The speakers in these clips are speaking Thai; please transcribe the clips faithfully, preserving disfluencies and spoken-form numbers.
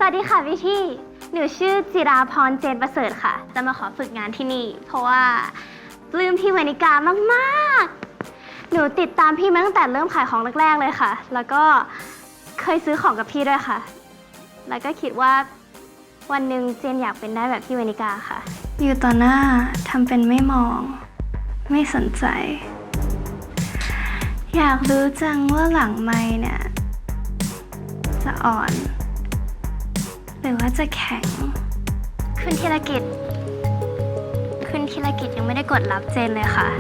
วัสดีค่ะพี่ที่หนูชื่อจิราพรเจนประเสริฐค่ะ จะมาขอฝึกงานที่นี่ เพราะว่าปลื้มพี่วนิกามากๆหนูติดตามพี่มาตั้งแต่เริ่มขายของแรกๆเลยค่ะ แล้วก็เคยซื้อของกับพี่ด้วยค่ะ แล้วก็คิดว่าวันหนึ่งเจนอยากเป็นได้แบบพี่วนิกาค่ะ อยู่ต่อหน้าทำเป็นไม่มอง ไม่สนใจ อยากรู้จังว่าหลังไมค์เนี่ยจะอ่อน หรือว่าจะแข็งคุณธีรกิจคุณธีรกิจยังไม่ได้กดรับเจนเลยค่ะ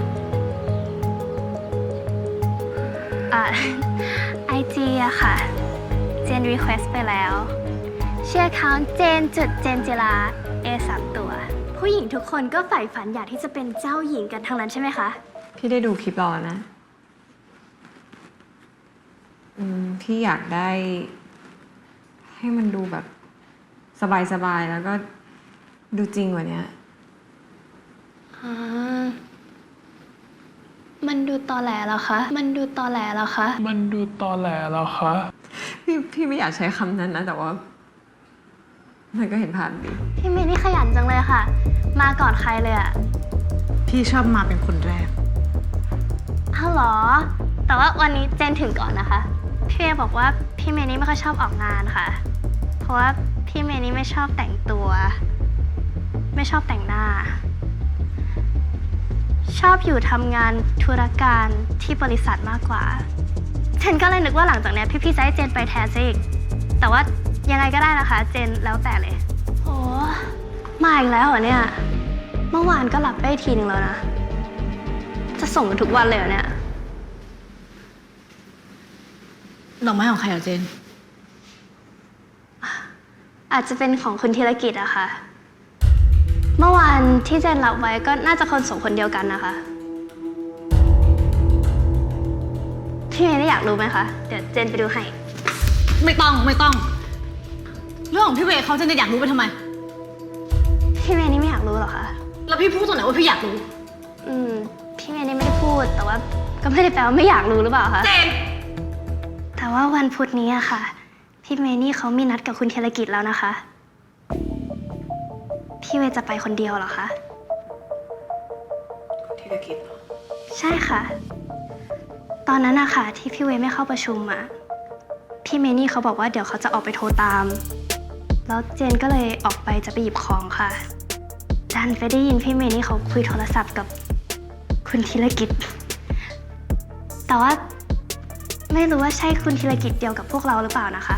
อ่าไอจีอะค่ะเจนรีเควสไปแล้วเชื่อเขาเจนจุดเจนจิรา เอ สามตัวผู้หญิงทุกคนก็ใฝ่ฝันอยากที่จะเป็นเจ้าหญิงกันทั้งนั้นใช่ไหมคะพี่ได้ดูคลิปเราแล้วนะอืมพี่อยากได้ให้มันดูแบบสบายๆแล้วก็ดูจริงกว่านี้อ่ามันดูตอแหลเหรอคะมันดูตอแหลเหรอคะมันดูตอแหลเหรอคะพี่พี่ไม่อยากใช้คำนั้นนะแต่ว่ามันก็เห็นภาพดีพี่เมย์นี่ขยันจังเลยค่ะมาก่อนใครเลยอะพี่ชอบมาเป็นคนแรกอ้าวเหรอแต่ว่าวันนี้เจนถึงก่อนนะคะพี่เมย์บอกว่าพี่เมย์นี่ไม่ค่อยชอบออกงานค่ะเพราะว่าพี่เมย์นี่ไม่ชอบแต่งตัวไม่ชอบแต่งหน้าชอบอยู่ทำงานธุรการที่บริษัทมากกว่าเจนก็เลยนึกว่าหลังจากนี้พี่ๆจะให้เจนไปแทนซะอีกแต่ว่ายังไงก็ได้นะคะเจนแล้วแต่เลยโอ้มาอีกแล้วเหรอเนี่ยเมื่อวานก็หลับไปทีนึงแล้วนะจะส่งกันทุกวันเลยเหรอเนี่ยดอกไม้ของใครเหรอเจนอาจจะเป็นของคุณธีรกิจอะค่ะเมื่อวานที่เจนรับไว้ก็น่าจะคนส่งคนเดียวกันนะคะพี่เมย์ได้อยากรู้ไหมคะเดี๋ยวเจนไปดูให้ไม่ต้องไม่ต้องเรื่องของพี่เวย์เขาเจนจะอยากรู้ไปทำไมพี่เมย์นี่ไม่อยากรู้หรอคะแล้วพี่พูดตรงไหนว่าพี่อยากรู้อืมพี่เมย์นี่ไม่ได้พูดแต่ว่าก็ไม่ได้แปลว่าไม่อยากรู้หรือเปล่าคะเจนแต่ว่าวันพุธนี้อะค่ะพี่เมย์นี่เขามีนัดกับคุณธีรกิจแล้วนะคะพี่เวย์จะไปคนเดียวเหรอคะธีรกิจเหรอใช่ค่ะตอนนั้นอะค่ะที่พี่เวย์ไม่เข้าประชุมอะพี่เมย์นี่เขาบอกว่าเดี๋ยวเขาจะออกไปโทรตามแล้วเจนก็เลยออกไปจะไปหยิบของค่ะดันไปได้ยินพี่เมย์นี่เขาคุยโทรศัพท์กับคุณธีรกิจแต่ว่าไม่รู้ว่าใช่คุณธีรกิจเดียวกับพวกเราหรือเปล่านะคะ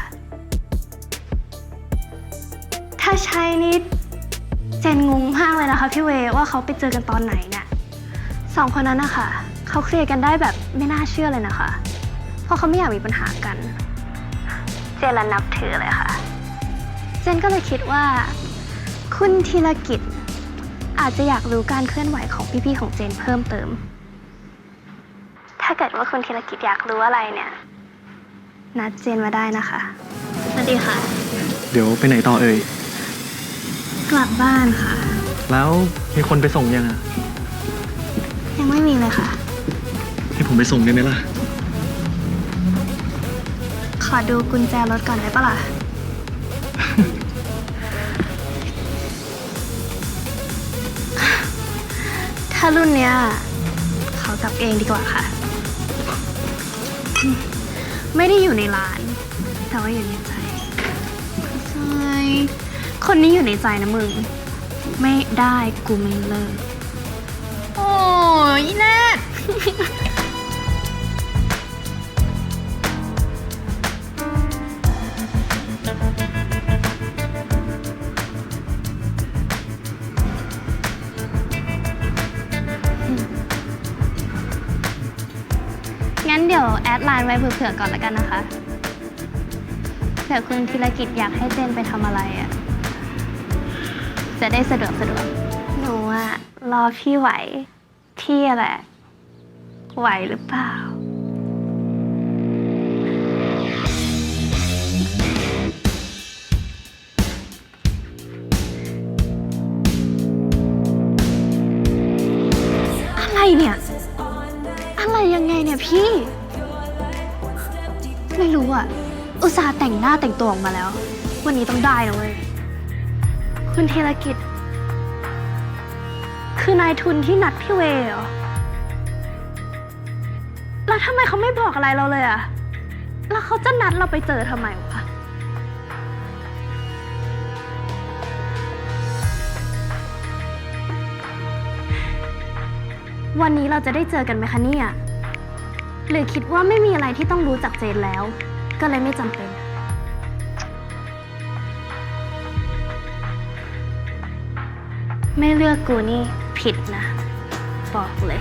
ถ้าใช่นี่เจนงงมากเลยนะคะพี่เวย์ว่าเขาไปเจอกันตอนไหนเนี่ยสองคนนั้นนะคะเขาเคลียร์กันได้แบบไม่น่าเชื่อเลยนะคะเพราะเขาไม่อยากมีปัญหากันเจนละนับถือเลยค่ะเจนก็เลยคิดว่าคุณธีรกิจอาจจะอยากรู้การเคลื่อนไหวของพี่ๆของเจนเพิ่มเติมถ้าเกิดว่าคุณธีรกิจอยากรู้อะไรเนี่ยนัดเจนมาได้นะคะสวัสดีค่ะเดี๋ยวไปไหนต่อเอ่ยกลับบ้านค่ะแล้วมีคนไปส่งยังอ่ะยังไม่มีเลยค่ะให้ผมไปส่งได้ไหมล่ะขอดูกุญแจรถก่อนได้ปะล่ะ ถ้ารุ่นเนี้ยขอกลับเองดีกว่าค่ะ ไม่ได้อยู่ในร้านแต่ว่าอยู่ในใจใช่คนนี้อยู่ในใจนะมึงไม่ได้กูไม่เลิกโอ้ยแนทงั้นเดี๋ยวแอดไลน์ไว้เผื่อๆก่อนแล้วกันนะคะเผื่อคุณธีรกิจอยากให้เจนไปทำอะไรอ่ะจะได้สะดวกสะดวกหนูอะรอพี่ไหวพี่แหละไหวหรือเปล่าอะไรเนี่ยอะไรยังไงเนี่ยพี่ไม่รู้อ่ะอุตส่าห์แต่งหน้าแต่งตัวออกมาแล้ววันนี้ต้องได้นะเว้ยคุณธีรกิจ คือนายทุนที่นัดพี่เวย์เหรอ แล้วทำไมเขาไม่บอกอะไรเราเลยอะแล้วเขาจะนัดเราไปเจอทำไมวะ วันนี้เราจะได้เจอกันไหมคะเนี่ย หรือคิดว่าไม่มีอะไรที่ต้องรู้จักเจนแล้ว ก็เลยไม่จำเป็น ไม่เลือกกูนี่ผิดนะ บอกเลย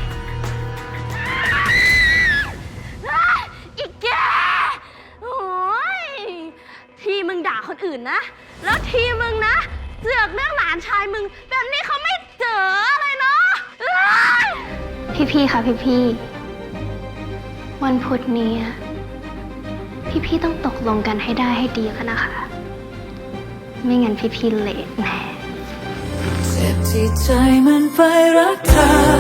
อีกแกโอ้ยทีมึงด่าคนอื่นนะ แล้วทีมึงนะเสือกเรื่องหลานชายมึง แบบนี้เขาไม่เจออะไรเนาะพี่ๆค่ะพี่ๆวันพุธนี้อะพี่ๆต้องตกลงกันให้ได้ให้ดีแล้วนะคะ ไม่งั้นพี่ๆเลทแน่เจ็บที่ใจมันไปรักเธอ